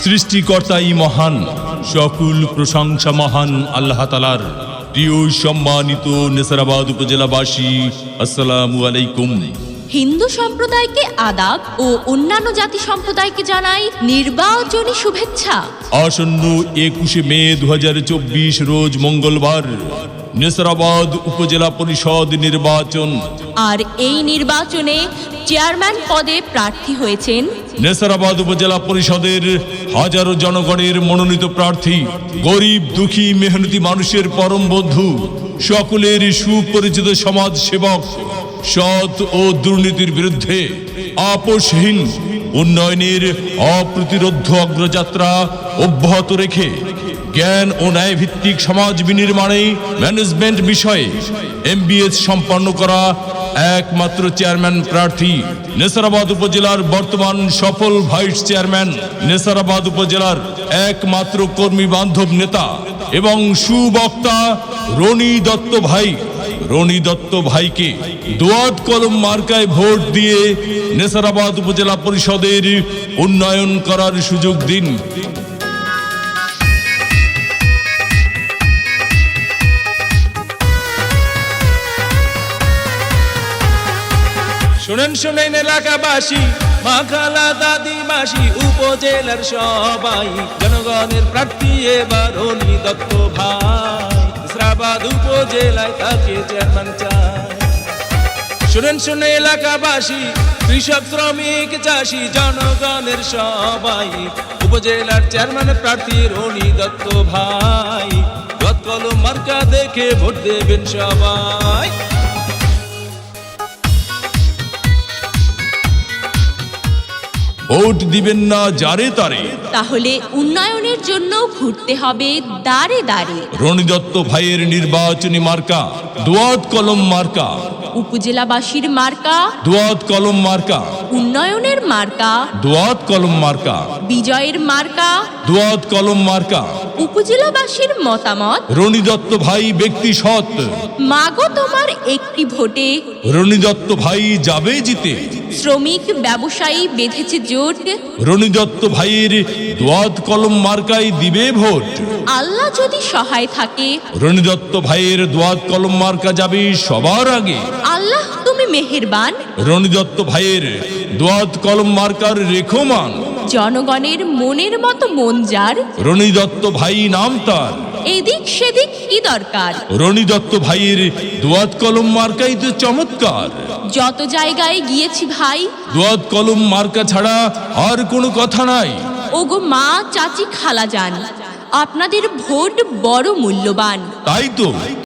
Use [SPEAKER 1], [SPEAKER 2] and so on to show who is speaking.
[SPEAKER 1] সৃষ্টিকর্তাই মহান, সকল প্রশংসা মহান আল্লাহ তাআলার। প্রিয় সম্মানিত নেসারাবাদ উপজেলাবাসী, আসসালামু আলাইকুম।
[SPEAKER 2] হিন্দু সম্প্রদায়কে আদাব ও অন্যান্য জাতি সম্প্রদায়কে জানাই নির্বাচনী শুভেচ্ছা।
[SPEAKER 1] আসন্ন 21 মে 2024 রোজ মঙ্গলবার নেসারাবাদ উপজেলা পরিষদ নির্বাচন।
[SPEAKER 2] আর এই নির্বাচনে চেয়ারম্যান পদে প্রার্থী হয়েছেন
[SPEAKER 1] নেসারাবাদ উপজেলা পরিষদের হাজারো জনগণের মনোনীত প্রার্থী, গরিব দুঃখী মেহনতি মানুষের পরম বন্ধু, সকলের সুপরিচিত সমাজ সেবক, সৎ ও দুর্নীতির বিরুদ্ধে আপোষহীন উন্নয়নের অপ্রতিরোধ্য অগ্রযাত্রা অব্যাহত রেখে জ্ঞান ও ন্যায় ভিত্তিক সমাজ বিনির্মাণে ম্যানেজমেন্ট বিষয়ে MBS সম্পন্ন করা একমাত্র চেয়ারম্যান প্রার্থী, নেসারাবাদ উপজেলার বর্তমান সফল ভাইস চেয়ারম্যান, নেসারাবাদ উপজেলার একমাত্র কর্মী বান্ধব নেতা এবং সুবক্তা রনি দত্ত ভাই। রনি দত্ত ভাইকে দোয়াত কলম মার্কায় ভোট দিয়ে নেসারাবাদ উপজেলা পরিষদের উন্নয়ন করার সুযোগ দিন।
[SPEAKER 3] শুনেন শুনেন এলাকাবাসী, মা খালা দাদি মাসি উপজেলার সবাই, জনগণের প্রার্থী এবার রনি দত্ত ভাই। নেসারাবাদ উপজেলায় তাকে চেয়ারম্যান চাই। শুনেন শুনে এলাকাবাসী, কৃষক শ্রমিক চাষি জনগণের সবাই, উপজেলার চেয়ারম্যান প্রার্থী রনি দত্ত ভাই। দোয়াত কলম মার্কা দেখে ভোট দেবেন সবাই।
[SPEAKER 1] ভোট দিবেন না যারে তারে,
[SPEAKER 2] তাহলে উন্নয়নের জন্য ঘুরতে হবে দাঁড়ে দাঁড়ে।
[SPEAKER 1] রনি দত্ত ভাইয়ের নির্বাচনী মার্কা দোয়াত কলম মার্কা,
[SPEAKER 2] উপজেলাবাসীর মার্কা
[SPEAKER 1] দোয়াত কলম মার্কা,
[SPEAKER 2] উন্নয়নের মার্কা,
[SPEAKER 1] দোয়াত কলম মার্কা,
[SPEAKER 2] বিজয়ের মার্কা,
[SPEAKER 1] দোয়াত কলম মার্কা।
[SPEAKER 2] উপজেলাবাসীর মতামত,
[SPEAKER 1] রনি দত্ত ভাই ব্যক্তি সৎ,
[SPEAKER 2] মাগো তোমার একটি ভোটে
[SPEAKER 1] রনি দত্ত ভাই যাবে জিতে।
[SPEAKER 2] শ্রমিক ব্যবসায়ী বেঁধেছে জোট,
[SPEAKER 1] রনি দত্ত ভাইয়ের দোয়াত কলম মার্কায় দিবে ভোট।
[SPEAKER 2] আল্লাহ যদি সহায় থাকে
[SPEAKER 1] রনি দত্ত ভাইয়ের দোয়াত কলম মার্কা যাবে সবার আগে।
[SPEAKER 2] আল্লাহ তুমি মেহেরবান।
[SPEAKER 1] রনি দত্ত ভাইয়ের দোয়াত কলম মার্কার রেখমান,
[SPEAKER 2] জনগণের মনের মতো মন যার,
[SPEAKER 1] রনি দত্ত ভাই নাম তার।
[SPEAKER 2] এদিক সেদিক কি দরকার,
[SPEAKER 1] রনি দত্ত ভাইয়ের দোয়াত কলম মার্কাই তো চমৎকার।
[SPEAKER 2] যত জায়গায় গিয়েছি ভাই,
[SPEAKER 1] দোয়াত কলম মার্কা ছাড়া আর কোনো কথা নাই।
[SPEAKER 2] ওগো মা চাচি খালা যান, আপনাদের ভোট বড় মূল্যবান।
[SPEAKER 1] তাই তো